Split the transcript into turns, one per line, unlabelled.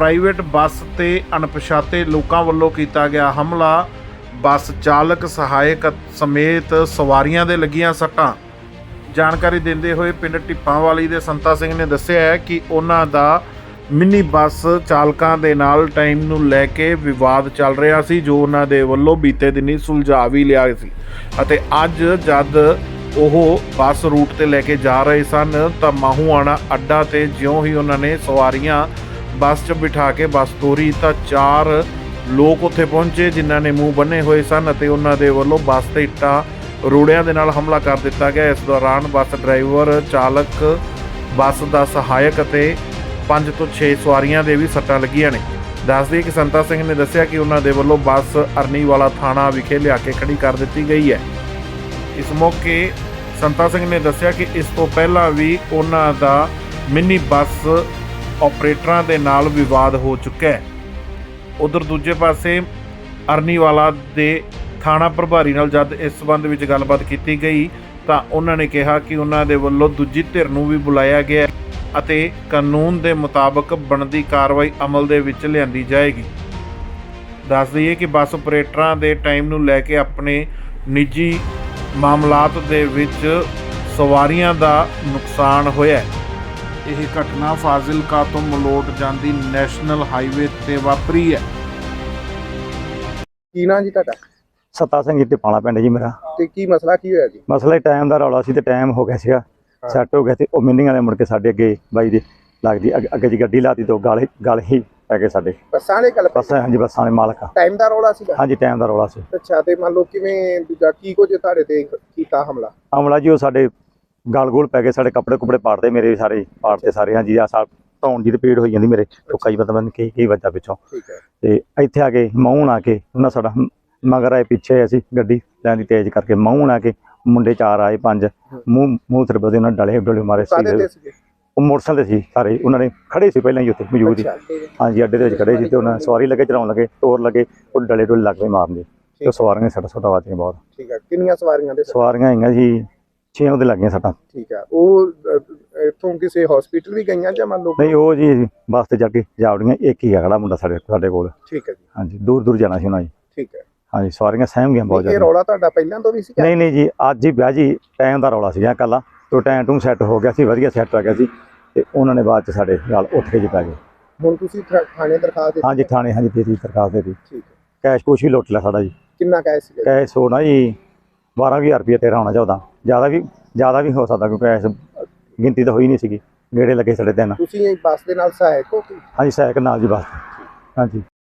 Private bus ਤੇ ਅਣਪਛਾਤੇ ਲੋਕਾਂ ਵੱਲੋਂ ਕੀਤਾ ਗਿਆ ਹਮਲਾ। ਬੱਸ ਚਾਲਕ ਸਹਾਇਕ ਸਮੇਤ ਸਵਾਰੀਆਂ ਦੇ ਲੱਗੀਆਂ ਸੱਟਾਂ। ਜਾਣਕਾਰੀ ਦਿੰਦੇ ਹੋਏ ਪਿੰਡ ਢਿੱਪਾਂਵਾਲੀ ਦੇ ਸੰਤਾ ਸਿੰਘ ਨੇ ਦੱਸਿਆ ਹੈ ਕਿ ਉਹਨਾਂ ਦਾ ਮਿੰਨੀ ਬੱਸ ਚਾਲਕਾਂ ਦੇ ਨਾਲ ਟਾਈਮ ਨੂੰ ਲੈ ਕੇ ਵਿਵਾਦ ਚੱਲ ਰਿਹਾ ਸੀ, ਜੋ ਉਹਨਾਂ ਦੇ ਵੱਲੋਂ ਬੀਤੇ ਦਿਨੀ ਸੁਲਝਾ ਵੀ ਲਿਆ ਸੀ ਅਤੇ ਅੱਜ ਜਦ ਉਹ ਬੱਸ ਰੂਟ ਤੇ ਲੈ ਕੇ ਜਾ ਰਹੇ ਸਨ ਤਾਂ ਮਾਹੂਆਣਾ ਅੱਡਾ ਤੇ ਜਿਉਂ ਹੀ ਉਹਨਾਂ ਨੇ ਸਵਾਰੀਆਂ ਬੱਸ 'ਚ ਬਿਠਾ ਕੇ ਬੱਸ ਤੋਰੀ ਤਾਂ 4 ਲੋਕ ਉੱਥੇ ਪਹੁੰਚੇ ਜਿਨ੍ਹਾਂ ਨੇ ਮੂੰਹ ਬੰਨੇ ਹੋਏ ਸਨ ਅਤੇ ਉਹਨਾਂ ਦੇ ਵੱਲੋਂ ਬੱਸ ਤੇ ਇੱਟਾਂ ਰੋੜਿਆਂ ਦੇ ਨਾਲ ਹਮਲਾ ਕਰ ਦਿੱਤਾ ਗਿਆ। ਇਸ ਦੌਰਾਨ ਬੱਸ ਡਰਾਈਵਰ, ਚਾਲਕ, ਬੱਸ ਦਾ ਸਹਾਇਕ ਅਤੇ 5 ਤੋਂ 6 ਸਵਾਰੀਆਂ ਦੇ ਵੀ ਸੱਟਾਂ ਲੱਗੀਆਂ ਨੇ। ਦੱਸ ਦਈਏ ਕਿ ਸੰਤਾ ਸਿੰਘ ਨੇ ਦੱਸਿਆ ਕਿ ਉਹਨਾਂ ਦੇ ਵੱਲੋਂ ਬੱਸ ਅਰਨੀਵਾਲਾ ਥਾਣਾ ਵਿਖੇ ਲਿਆ ਕੇ ਖੜੀ ਕਰ ਦਿੱਤੀ ਗਈ ਹੈ। ਇਸ ਮੌਕੇ ਸੰਤਾ ਸਿੰਘ ਨੇ ਦੱਸਿਆ ਕਿ ਇਸ ਤੋਂ ਪਹਿਲਾਂ ਵੀ ਉਹਨਾਂ ਦਾ ਮਿੰਨੀ ਬੱਸ ਆਪਰੇਟਰਾਂ ਦੇ ਨਾਲ ਵਿਵਾਦ ਹੋ ਚੁੱਕਾ ਹੈ। ਉਧਰ ਦੂਜੇ ਪਾਸੇ ਅਰਨੀਵਾਲਾ ਦੇ ਥਾਣਾ ਪ੍ਰਭਾਰੀ ਨਾਲ ਜਦ ਇਸ ਸੰਬੰਧ ਵਿੱਚ ਗੱਲਬਾਤ ਕੀਤੀ ਗਈ ਤਾਂ ਉਹਨਾਂ ਨੇ ਕਿਹਾ ਕਿ ਉਹਨਾਂ ਦੇ ਵੱਲੋਂ ਦੂਜੀ ਧਿਰ ਨੂੰ ਵੀ ਬੁਲਾਇਆ ਗਿਆ ਅਤੇ ਕਾਨੂੰਨ ਦੇ ਮੁਤਾਬਕ ਬਣਦੀ ਕਾਰਵਾਈ ਅਮਲ ਦੇ ਵਿੱਚ ਲਿਆਂਦੀ ਜਾਏਗੀ। ਦੱਸ ਦਈਏ ਕਿ ਬੱਸ ਆਪਰੇਟਰਾਂ ਦੇ ਟਾਈਮ ਨੂੰ ਲੈ ਕੇ ਆਪਣੇ ਨਿੱਜੀ ਮਾਮਲਾਤ ਦੇ ਵਿੱਚ ਸਵਾਰੀਆਂ ਦਾ ਨੁਕਸਾਨ ਹੋਇਆ। ਇਹ ਘਟਨਾ ਫਾਜ਼ਿਲਕਾ ਤੋਂ ਮਲੋਟ ਜਾਂਦੀ ਨੈਸ਼ਨਲ ਹਾਈਵੇ ਤੇ ਵਾਪਰੀ ਹੈ।
ਕੀ ਨਾਂ ਜੀ ਤੁਹਾਡਾ?
ਸੱਤਾ ਸਿੰਘ ਤੇ ਪਾਲਾ ਪਿੰਡ ਜੀ ਮੇਰਾ।
ਤੇ ਕੀ ਮਸਲਾ ਕੀ ਹੋਇਆ ਜੀ?
ਮਸਲਾ ਟਾਈਮ ਦਾ ਰੌਲਾ ਸੀ ਤੇ ਟਾਈਮ ਹੋ ਗਿਆ ਸੀਗਾ, ਸੈੱਟ ਹੋ ਗਿਆ ਤੇ ਉਹ ਮਿੰਨੀਆਂ ਦੇ ਮੁੜ ਕੇ ਸਾਡੇ ਅੱਗੇ ਬਾਈ ਦੀ ਲੱਗਦੀ ਅੱਗੇ ਜੀ ਗੱਡੀ ਲਾਤੀ ਤੋਂ ਗਲ ਹੀ ਪੈ ਗਏ ਸਾਡੇ।
ਬੱਸਾਂ ਦੇ ਗੱਲ
ਬੱਸਾਂ, ਹਾਂਜੀ ਬੱਸਾਂ ਦੇ ਮਾਲਕ।
ਟਾਈਮ ਦਾ ਰੌਲਾ ਸੀਗਾ?
ਹਾਂਜੀ ਟਾਈਮ ਦਾ ਰੌਲਾ ਸੀ।
ਅੱਛਾ, ਤੇ ਮੰਨ ਲਓ ਕਿਵੇਂ ਦੂਜਾ ਕੀ ਕੁਝ ਤੁਹਾਡੇ ਤੇ ਕੀਤਾ ਹਮਲਾ?
ਹਮਲਾ ਜੀ ਉਹ ਸਾਡੇ ਗਲ ਪੈ ਗਏ, ਸਾਡੇ ਕੱਪੜੇ ਕੁਪੜੇ ਪਾੜਦੇ, ਮੇਰੇ ਸਾਰੇ ਪਾੜਦੇ ਸਾਰੇ। ਹਾਂਜੀ ਆ ਧੌਣ ਜੀ ਤੇ ਪੀੜ ਹੋਈ ਜਾਂਦੀ ਮੇਰੇ, ਟੁੱਕਾ ਜੀ ਪਤਾ ਨਹੀਂ ਕੀ ਵੱਜਾ ਪਿੱਛੋਂ।
ਠੀਕ ਹੈ।
ਤੇ ਇੱਥੇ ਆ ਕੇ ਮੂੰਹ ਆ ਕੇ ਉਹਨਾਂ ਸਾਡਾ ਮਗਰ ਆਏ, ਪਿੱਛੇ ਅਸੀਂ ਗੱਡੀ ਲੈਣ ਦੀ ਤੇਜ਼ ਕਰਕੇ ਮੂੰਹ ਆ ਕੇ ਮੁੰਡੇ 4 ਆਏ 5 ਮੂੰਹ ਸਿਰ ਬਦੇ ਉਹਨਾਂ ਡਲੇ ਮਾਰੇ ਸੀ। ਉਹ ਮੋਟਰਸਾਈਕਲ ਤੇ ਸੀ ਸਾਰੇ, ਉਹਨਾਂ ਨੇ ਖੜੇ ਸੀ ਪਹਿਲਾਂ ਹੀ ਉੱਥੇ ਮੌਜੂਦ ਹੀ। ਹਾਂਜੀ ਅੱਡੇ ਦੇ ਵਿੱਚ ਖੜੇ ਸੀ ਤੇ ਉਹਨਾਂ ਸਵਾਰੀ ਲੱਗੇ ਚਲਾਉਣ ਲੱਗੇ, ਟੋਰ ਲੱਗੇ, ਉਹ ਡਲੇ ਡੋਲੇ ਲੱਗ ਪਏ ਮਾਰਨ ਤੇ ਸਵਾਰੀਆਂ ਸੱਟਾਂ ਸੁੱਟਾਂ ਵੱਜੀਆਂ ਬਹੁਤ।
ਠੀਕ ਹੈ। ਕਿੰਨੀਆਂ ਸਵਾਰੀਆਂ ਦੇ?
ਸਵਾਰੀਆਂ ਹੈਗੀਆਂ ਜੀ 6 ਉਹਦੇ ਲੱਗੀਆਂ ਸੱਟਾਂ।
ਠੀਕ ਹੈ। ਉਹ ਇੱਥੋਂ ਕਿਸੇ ਹਸਪੀਟਲ ਵੀ ਗਈਆਂ ਜਾਂ ਮੰਨ ਲਓ?
ਨਹੀਂ, ਉਹ ਜੀ ਬੱਸ ਤੇ ਜਾ ਕੇ ਜਾਵੜੀਆਂ। ਇੱਕ ਹੀ ਆ ਖੜਾ ਮੁੰਡਾ ਸਾਡੇ ਕੋਲ।
ਠੀਕ ਹੈ ਜੀ।
ਹਾਂਜੀ ਦੂਰ ਜਾਣਾ ਸੀ ਉਹਨਾਂ ਜੀ।
ਠੀਕ ਹੈ।
ਹਾਂਜੀ ਸਵਾਰੀਆਂ ਸਹਿਮ ਗਈਆਂ ਬਹੁਤ
ਇਹ
ਜ਼ਿਆਦਾ।
ਰੌਲਾ ਤੁਹਾਡਾ ਪਹਿਲਾਂ ਤੋਂ ਵੀ ਸੀ?
ਨਹੀਂ ਜੀ, ਅੱਜ ਹੀ ਵਿਆਹ ਜੀ ਟਾਈਮ ਦਾ ਰੌਲਾ ਸੀਗਾ ਕੱਲਾ, ਤੋਂ ਟਾਈਮ ਟੂਮ ਸੈੱਟ ਹੋ ਗਿਆ ਸੀ, ਵਧੀਆ ਸੈੱਟ ਹੋ ਗਿਆ ਸੀ ਤੇ ਉਹਨਾਂ ਨੇ ਬਾਅਦ ਚ ਸਾਡੇ ਨਾਲ ਉੱਠ ਕੇ ਜੀ ਪੈ ਗਏ।
ਹੁਣ ਤੁਸੀਂ ਥਾਣੇ ਦਰਖਾਸਤ ਦਿੱਤੀ?
ਹਾਂਜੀ ਥਾਣੇ, ਹਾਂਜੀ ਦੇ ਦਿੱਤੀ ਦਰਖਾਸਤ ਦੇ ਦਿੱਤੀ।
ਠੀਕ ਹੈ।
ਕੈਸ਼ ਕੁਛ ਵੀ ਲੁੱਟ ਲਿਆ ਸਾਡਾ ਜੀ।
ਕਿੰਨਾ ਕੈਸ਼ ਸੀਗਾ?
ਕੈਸ਼ ਹੋਣਾ ਜੀ 12,000 ਰੁਪਏ ਤੇਰਾ ਹੋਣਾ ਚਾਹੀਦਾ, ਜ਼ਿਆਦਾ ਵੀ ਹੋ ਸਕਦਾ ਕਿਉਂਕਿ ਕੈਸ਼ ਗਿਣਤੀ ਤਾਂ ਹੋਈ ਨਹੀਂ ਸੀਗੀ, ਗੇੜੇ ਲੱਗੇ ਸਾਡੇ 3।
ਤੁਸੀਂ ਬੱਸ ਦੇ ਨਾਲ ਸਹਾਇਕ ਹੋ?
ਹਾਂਜੀ ਸਹਾਇਕ ਨਾਲ ਜੀ ਬੱਸ। ਹਾਂਜੀ